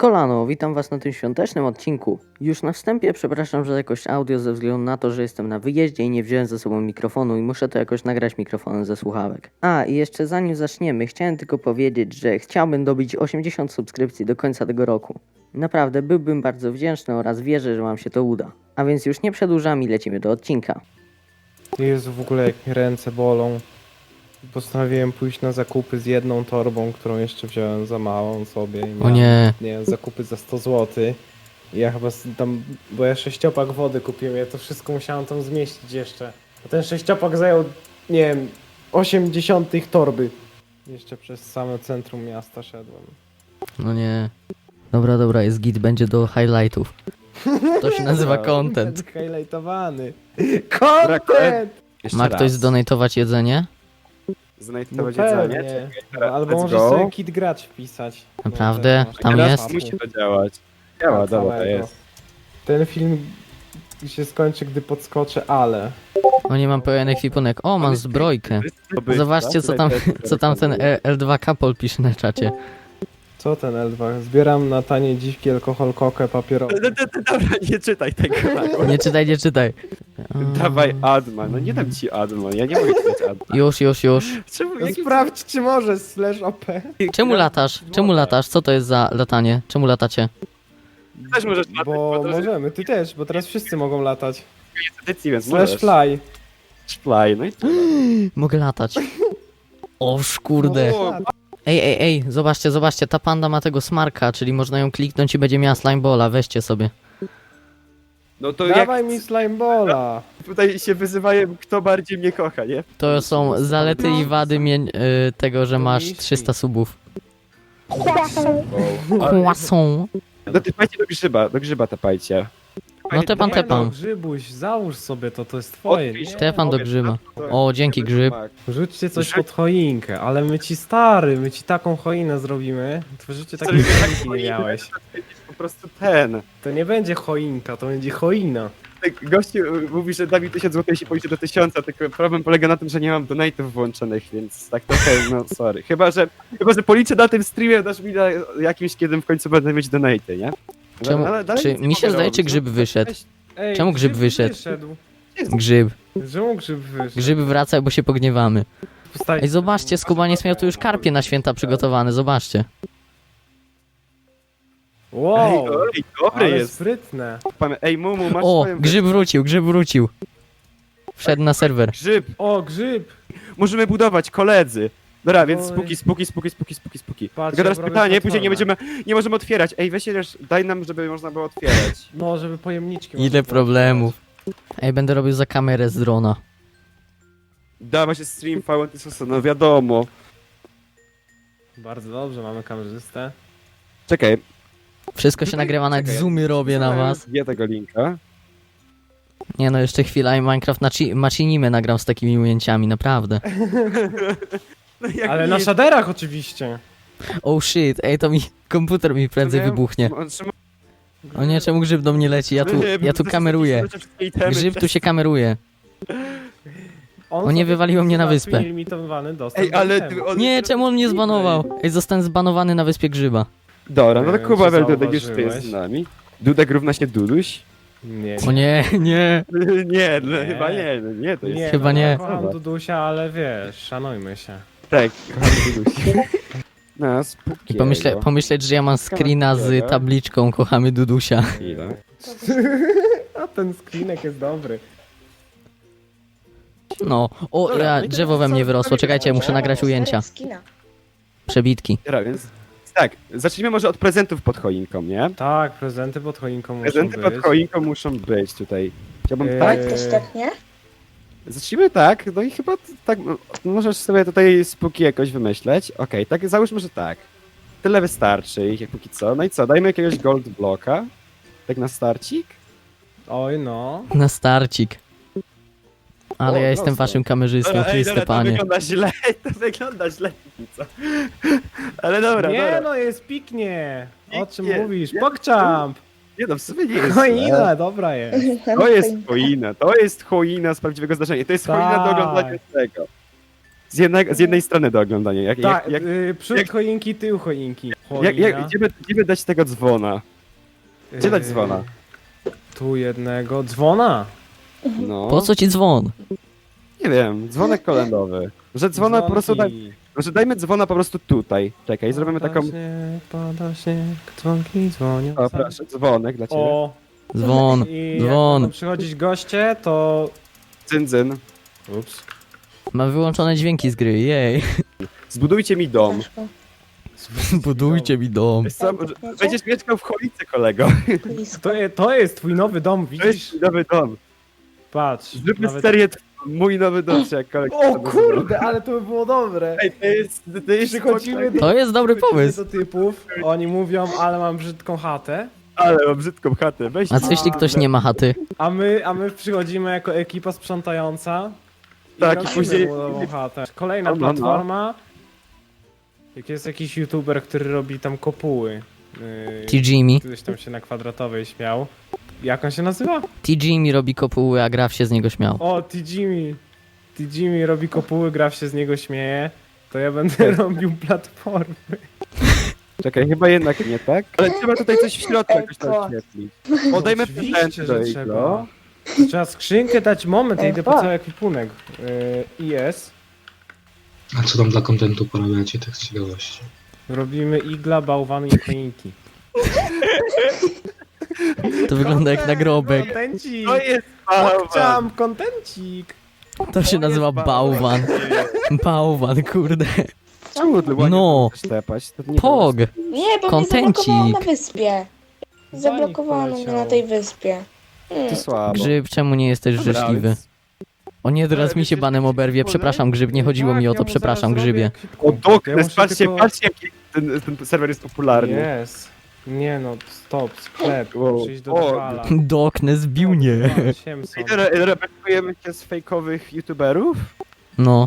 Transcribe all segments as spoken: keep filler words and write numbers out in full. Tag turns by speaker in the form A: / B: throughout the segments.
A: Kolano, witam was na tym świątecznym odcinku. Już na wstępie przepraszam za jakość audio ze względu na to, że jestem na wyjeździe i nie wziąłem ze sobą mikrofonu i muszę to jakoś nagrać mikrofonem ze słuchawek. A, i jeszcze zanim zaczniemy, chciałem tylko powiedzieć, że chciałbym dobić osiemdziesiąt subskrypcji do końca tego roku. Naprawdę byłbym bardzo wdzięczny oraz wierzę, że wam się to uda. A więc już nie przedłużam i lecimy do odcinka.
B: Jezu, w ogóle jak mi ręce bolą. Postanowiłem pójść na zakupy z jedną torbą, którą jeszcze wziąłem za małą sobie. I
A: O
B: miałem,
A: nie,
B: nie wiem, zakupy za sto złotych. I ja chyba s- tam, bo ja sześciopak wody kupiłem, ja to wszystko musiałem tam zmieścić jeszcze. A ten sześciopak zajął, nie wiem, osiemdziesiąt torby. Jeszcze przez same centrum miasta szedłem.
A: no nie. Dobra, dobra, jest git, będzie do highlightów. To się nazywa content.
B: Highlightowany. Content!
C: Jeszcze
A: Ma
C: raz.
A: ktoś zdonatować jedzenie?
B: No
C: Znajdować jedzenie?
B: pewnie.
C: Czekaj,
B: Albo
C: let's
B: możesz
C: go.
B: sobie kit gracz wpisać.
A: Naprawdę?
B: masz
A: Tam
B: kit
A: jest?
B: papu.
C: Musi to działać. Działa, dobra, to
B: Całego.
C: jest.
B: Ten film się skończy, gdy podskoczę, ale...
A: O nie, mam pełen ekwipunek. O, mam zbrojkę. Zobaczcie, co tam, co tam ten L dwa Couple pisze na czacie.
B: Co ten L dwa? Zbieram na tanie dziwki, alkohol, kokę, papierową.
C: Dobra, nie czytaj tego. Mago.
A: Nie czytaj, nie czytaj.
C: Dawaj Adman, no nie dam ci Adman, ja nie mogę czytać Adman.
A: Już, już, już.
C: Czemu?
B: No
C: Jaki...
B: sprawdź, czy możesz, slash O P.
A: Czemu latasz? Czemu latasz? Co to jest za latanie? Czemu latacie?
C: Też możesz latać,
B: Bo
C: to jest
B: możemy, ty też, bo teraz wszyscy mogą latać.
C: edycji, więc
B: Slash
C: możesz.
B: fly.
C: Fly, no i to.
A: Mogę latać. Oż kurde.
C: O,
A: Ej, ej, ej, zobaczcie, zobaczcie, ta panda ma tego smarka, czyli można ją kliknąć i będzie miała slimeballa, weźcie sobie.
C: No to jak
B: Dawaj mi slimeballa.
C: tutaj się wyzywają, kto bardziej mnie kocha, nie?
A: To są zalety i wady mię- y, tego, że masz
B: Miści.
A: trzysta subów.
C: Ale-
A: Kłasą.
C: No typajcie do grzyba, do grzyba tapajcie.
A: No tepam,
B: Nie no,
A: tepam.
B: Grzybuś, załóż sobie to, to jest twoje.
C: Odpisz.
B: Nie?
A: Stefan do grzyba. O, dzięki grzyb.
B: Rzućcie coś pod choinkę, ale my ci stary, my ci taką choinę zrobimy. To w życiu takiej
C: Zrobimy taką
B: choinki nie
C: choinkę.
B: miałeś.
C: Po prostu ten.
B: To nie będzie choinka, to będzie choina.
C: Tak, gościu y, mówi, że da mi tysiąc złotych, jeśli pójdzie do tysiąca, tylko problem polega na tym, że nie mam donate'ów włączonych, więc tak trochę, no sorry. Chyba, że, chyba, że policzę na tym streamie, dasz mi na jakimś, kiedy w końcu będę mieć donate'y, nie?
A: Czemu,
C: Ale dalej
A: czy
C: nic nie
A: mi się
C: mogę
A: zdaje,
C: robić,
A: czy
C: no.
A: grzyb wyszedł?
C: Weź-
B: Ej,
A: Czemu grzyb wyszedł?
B: wyszedł?
A: Grzyb.
B: Czemu grzyb wyszedł?
A: Grzyb wraca, bo się pogniewamy.
B: Postawi-
A: Ej, zobaczcie, Skubaniec miał tu już karpie na święta przygotowane, zobaczcie.
B: Wow,
C: Ej, ej, dobry
B: ale
C: jest.
B: sprytne.
C: Pan, ej, Mumu, masz
A: O,
C: swoją...
A: grzyb wrócił, grzyb wrócił. Wszedł na serwer.
C: Grzyb!
B: O, grzyb!
C: Możemy budować, koledzy! Dobra, więc
B: Oj.
C: spuki, spuki, spuki, spuki, spuki, spuki.
B: Patrz,
C: Tylko teraz
B: ja robię
C: pytanie, później nie
B: platformę.
C: będziemy, nie możemy otwierać. Ej, weź też, daj nam, żeby można było otwierać.
B: No, żeby pojemniczki...
A: Ile
B: można było
A: problemów. Ej, będę robił za kamerę z drona.
C: Dawa się stream Fountain Sosa, no wiadomo.
B: otworzyć. Bardzo dobrze, mamy kamerzystę.
C: Czekaj.
A: Wszystko się
C: Tutaj-
A: nagrywa, nawet
C: czekaj,
A: zoomy robię na was.
C: Wie tego linka.
A: Nie no, jeszcze chwila i Minecraft Machi- Machinimę nagram z takimi ujęciami, naprawdę.
C: No jak
B: Ale
C: nie-
B: na shaderach oczywiście.
A: Oh shit, ej, to mi komputer mi prędzej
C: Nie,
A: wybuchnie.
C: on trzyma-
A: O nie, czemu grzyb do mnie leci? Ja tu,
C: Nie,
A: ja tu
C: to
A: kameruję.
C: są wszystkie itemy.
A: Grzyb tu się kameruje.
B: On
A: O nie,
B: sobie
A: wywaliło mnie na
B: załatwi
A: wyspę.
B: Nielimitowany dostęp
C: Ej,
B: do
C: ale...
B: itemu.
C: ty- on-
A: Nie, czemu on mnie zbanował? Ej, zostałem zbanowany na wyspie grzyba.
C: Dobra, no
B: Nie
C: to
B: wiem,
C: Kuba
B: czy
C: Weldudek już tu
B: zauważyłeś.
C: jest z nami. Dudek równa się Duduś?
B: Nie,
A: O nie, nie.
C: Nie, no
B: Nie.
C: chyba nie, no nie, to jest...
B: nie,
A: Chyba
B: no,
A: nie.
B: Ja kocham Dudusia, ale wiesz, szanujmy się.
C: Tak, kocham Duduś. No, spóki.
A: I pomyśle, pomyśleć, że ja mam screena z tabliczką Kochamy Dudusia.
B: A ten screenek jest dobry.
A: No, o,
C: Dobra,
A: ja,
C: no i
A: drzewo
C: teraz
A: we mnie
C: co?
A: wyrosło, czekajcie, muszę nagrać ujęcia. Przebitki.
C: Dobra, więc... Tak, zacznijmy może od prezentów pod choinką, nie?
B: Tak, prezenty pod choinką muszą
C: Prezenty
B: być.
C: pod choinką muszą być tutaj. Chciałbym
B: Eee,
C: tak?
D: Ktoś tepnie?
C: Zacznijmy tak, no i chyba t- tak, no, możesz sobie tutaj spóki jakoś wymyśleć. Okej, tak, załóżmy, że tak. Tyle wystarczy ich jak póki co. No i co, dajmy jakiegoś gold bloka. Tak na starcik?
B: Oj no.
A: Na starcik. Ale
C: O,
A: ja jestem
C: prosto.
A: waszym kamerzystą, Chryste
C: to
A: Panie.
C: wygląda źle, to wygląda źle póki co. Ale dobra,
B: Nie
C: dobra.
B: no, jest piknie. O czym
C: Piknie.
B: mówisz?
C: Ja-
B: Pogchamp!
C: Nie no, w sumie nie jest źle.
B: Choina, dobra jest.
C: To jest choina, to jest choina z prawdziwego zdarzenia. To jest choina do
B: Tak.
C: oglądania tego. Z, jednego, z jednej strony do oglądania. Jak,
B: Tak,
C: jak, jak,
B: y, przód
C: jak-
B: choinki, tył choinki.
C: Jak, jak,
B: Polina.
C: gdzie, by, gdzie by dać tego dzwona? Gdzie dać dzwona?
B: Yy, Tu jednego. Dzwona!
C: No,
A: Po co ci dzwon?
C: nie wiem, dzwonek kolędowy. Że dzwona po prostu daj,
B: Dzwonki.
C: że dajmy dzwona po prostu tutaj. Czekaj, zrobimy
B: Pada
C: taką...
B: Śnieg, pada śnieg, dzwonki dzwonią.
C: O, proszę, dzwonek dla ciebie.
B: O!
A: Dzwon,
B: I jak
A: dzwon.
B: będą przychodzić goście, to...
C: Cyndзyn.
B: Ups.
A: Mam wyłączone dźwięki z gry, jej.
C: Zbudujcie mi dom.
D: Ciężko.
A: Budujcie mi dom.
C: Wiesz co, że- będziesz mieszkał w cholicy, kolego.
D: Blisko.
B: To, je, to jest twój nowy dom,
C: To jest
B: widzisz?
C: mój nowy dom.
B: Patrz.
C: Zróbmy
B: nawet-
C: serię t- mój nowy dom, czy jakkolwiek.
B: O kurde, ale to by było dobre.
C: Ej, to jest... To jest
B: Przychodzimy do,
A: To jest dobry
B: przychodzimy
A: pomysł.
B: do typów, oni mówią, ale mam brzydką chatę,
C: Ale mam brzydką chatę, weź...
A: A co jeśli ktoś nie ma chaty?
B: a my, a my przychodzimy jako ekipa sprzątająca i
C: Tak, i
B: robimy
C: później-
B: mu nową chatę. Kolejna
C: No, no, no.
B: platforma. Jak jest jakiś youtuber, który robi tam kopuły. Yy,
A: T Jimmy.
B: Kiedyś tam się na kwadratowej śmiał. Jak on się nazywa?
A: T Jimmy robi kopuły, a Graf się z niego śmiał.
B: O, T Jimmy. T Jimmy robi kopuły, Graf się z niego śmieje. To ja będę robił platformy.
C: Czekaj, chyba jednak nie, tak? Ale trzeba tutaj coś w środku jakoś
D: Eko.
C: tam oświetlić. Oddajmy
B: Oczywiście,
C: prezenty do
B: że
C: Iglo.
B: trzeba. Trzeba skrzynkę dać, moment, ja idę po
D: Eko.
B: cały ekwipunek. Yy, jest.
E: A co tam dla kontentu porabiacie, tak z ciekawości?
B: Robimy igla, bałwany i choinki.
A: To wygląda jak nagrobek.
B: Kontencik!
C: To jest bałwan.
B: Chciałam kontencik!
A: To się nazywa bałwan. Bałwan, kurde.
C: Czemu ty ładnie
A: No.
C: chcesz tepać? To nie
A: Pog.
D: Nie, bo
A: Kontencik.
D: mnie zablokowało na wyspie. Zablokowano mnie
B: poleciał.
D: na tej wyspie.
C: To
D: Hmm.
C: słabo.
A: Grzyb, czemu nie jesteś
C: Dobra,
A: życzliwy?
C: więc-
A: O nie, teraz
C: Ale
A: mi się
C: wiecie,
A: banem
C: że-
A: oberwie. Przepraszam, Grzyb, nie chodziło
B: Tak,
A: mi o
B: ja
A: to.
B: mu
A: Przepraszam,
B: zaraz zrobię
A: Grzybie.
B: ekwipunek.
C: O,
B: Ja
C: Doknes,
B: muszę
C: patrzcie,
B: tylko-
C: patrzcie jaki ten, ten serwer jest popularny.
B: Jest. Nie no, stop, sklep,
C: Wow.
B: muszę iść do
C: O,
B: Drwala.
A: Doknes zbił mnie.
C: I re- reprezentujemy się z fejkowych youtuberów?
A: No.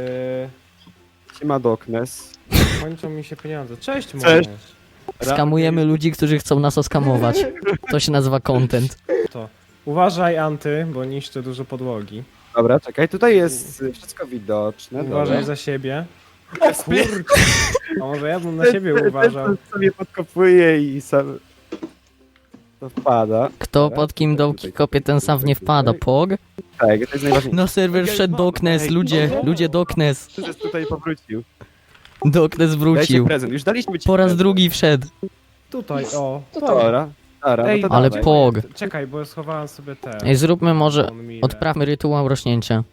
B: Yy,
C: Siema Doknes.
B: kończą mi się pieniądze. Cześć,
C: Cześć.
B: Cześć.
A: Skamujemy ludzi, którzy chcą nas oskamować. To się nazywa content.
B: Uważaj, Anty, bo niszczę dużo podłogi.
C: Dobra, czekaj, tutaj jest y, wszystko widoczne.
B: Uważaj
C: dobra.
B: za siebie. O kurczę! A może ja bym na siebie
C: Ten- ten,
B: uważał.
C: ten sobie podkopuje i sam... To wpada.
A: Kto pod kim dołki kopie, ten sam w nie wpada. Pog.
C: Tak, to jest najważniejsze.
A: Na serwer wszedł Doknes. Ludzie, ludzie Doknes.
C: Że tutaj powrócił.
A: Doknes
C: Dajcie
A: wrócił.
C: prezent, już daliśmy ci
A: Po raz
C: prezent.
A: drugi wszedł.
B: Tutaj, o.
D: Tutaj.
C: Dobra, dobra,
B: Ej,
C: no to
A: ale
C: dawaj.
A: po- Pog.
B: Czekaj, bo schowałem sobie te.
A: Ej, zróbmy może...
B: On mile.
A: Odprawmy rytuał rośnięcia.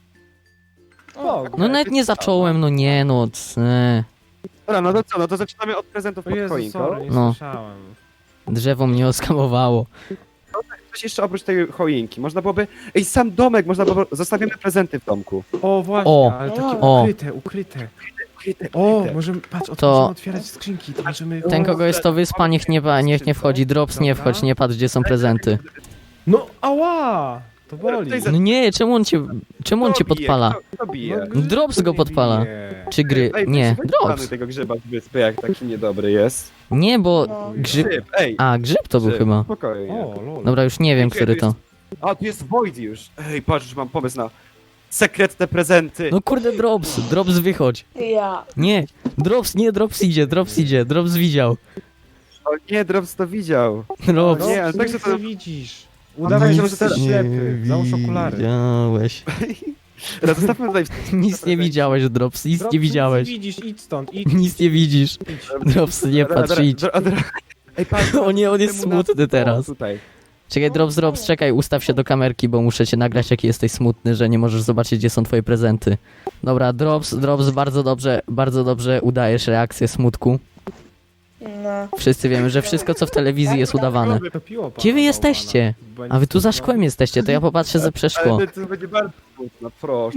B: Pog.
A: No nawet nie zacząłem, no nie no. c-
C: Dobra, no to co, no to zaczynamy od prezentów
B: O
C: pod
B: Jezu,
C: choinką.
B: sorry, nie
A: No.
B: słyszałem.
A: Drzewo mnie oskamowało.
C: Coś jeszcze oprócz tej choinki, można byłoby... Ej, sam domek, można byłoby... Zostawimy prezenty w domku.
B: O, właśnie,
A: O.
B: ale takie
D: O.
B: ukryte, ukryte.
C: Ukryte,
B: O,
C: ukryte.
B: możemy, patrz, o,
A: To-
B: możemy otwierać skrzynki, to możemy...
A: Ten kogo jest to wyspa, niech nie, wa- niech nie wchodzi. Drops nie wchodź, nie patrz gdzie są prezenty.
B: No, ała! To boli.
C: Tutaj za-
A: No nie, czemu on cię... Czemu on cię
C: Kto bije?
A: podpala?
C: Kto, kto bije?
B: No, grzyb
A: Drops go
B: mnie
A: podpala.
B: bije.
A: Czy gry...
C: Ej,
A: Nie,
C: weź
A: Drops.
C: wypchamy tego grzyba z wyspy, jak taki niedobry jest.
A: Nie, bo
D: No.
A: grzyb...
C: Grzyb, ej.
A: A, grzyb to był
C: grzyb,
A: chyba.
C: Spokojnie.
B: O, lol.
A: Dobra, już nie wiem, który to.
C: A, tu jest Void już. Ej, patrz, już mam pomysł na sekretne prezenty.
A: No kurde, Drops, Drops wychodź.
D: Ja.
A: Nie, Drops, nie, Drops idzie, Drops idzie, Drops widział.
C: O nie, Drops to widział.
A: Drops.
B: No,
C: nie, ale
B: nic
C: tak, że to-
B: nie widzisz. Udawaj, że
C: Nic
B: jesteś
C: nie
B: ślepy. Załóż okulary.
A: widziałeś.
C: Teraz zostawmy tutaj...
A: Nic nie widziałeś, Drops, nic
B: Drops,
A: nie widziałeś.
B: Nic nie widzisz, idź stąd, idź.
A: Nic nie widzisz. Drops, nie
C: Dobra,
A: patrz,
C: dobra,
A: idź.
C: dobra, dobra. Ej, patrz,
A: O nie, on jest
C: temu na-
A: smutny teraz.
C: O, tutaj.
A: Czekaj, Drops, Drops, czekaj, ustaw się do kamerki, bo muszę cię nagrać, jaki jesteś smutny, że nie możesz zobaczyć, gdzie są twoje prezenty. Dobra, Drops, Drops, bardzo dobrze, bardzo dobrze udajesz reakcję smutku.
D: No.
A: Wszyscy wiemy, że wszystko, co w telewizji jest udawane.
B: Topiło pana
A: Gdzie wy jesteście?
B: bałwana.
A: A wy tu za szkłem jesteście, to ja popatrzę za przeszkło.
C: Ale to będzie bardzo smutno, proszę.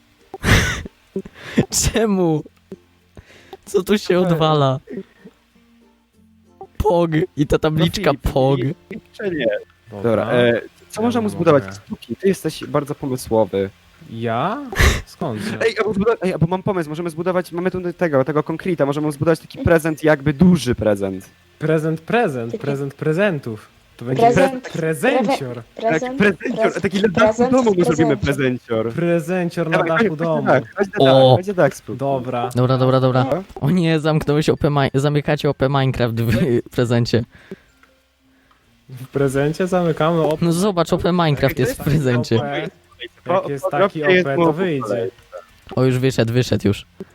A: Czemu? Co tu się odwala? Pog i ta tabliczka
C: No, Filip,
A: Pog.
C: Czy nie? Dobra, e, co
B: Ja
C: można mu
B: mogę.
C: zbudować? Stuki, ty jesteś bardzo pomysłowy.
B: Ja? Skąd?
C: Ej, albo, zbudować, ej, albo mam pomysł, możemy zbudować, mamy tu tego, tego konkreta, możemy mu zbudować taki prezent, jakby duży prezent.
B: Prezent, prezent, prezent prezentów. To będzie
D: Prezent.
B: pre prezencior.
C: Tak,
D: Prezent,
C: prezencior,
D: prez-
C: taki na dachu
D: prezent,
C: domu my zrobimy
D: prezencior.
C: prezencior.
B: Prezencior na
C: Dawaj,
B: dachu
C: chodź,
B: domu.
C: chodź, chodź na
A: O.
C: dach, chodź na dach spróbuj.
B: Dobra.
A: Dobra, dobra, dobra. O nie, zamknąłeś O P Mi- zamykacie O P Minecraft w prezencie.
B: W prezencie zamykamy op.
A: No zobacz, O P Minecraft jest w prezencie.
B: Jak jest taki O P, to wyjdzie.
A: O, już wyszedł, wyszedł już.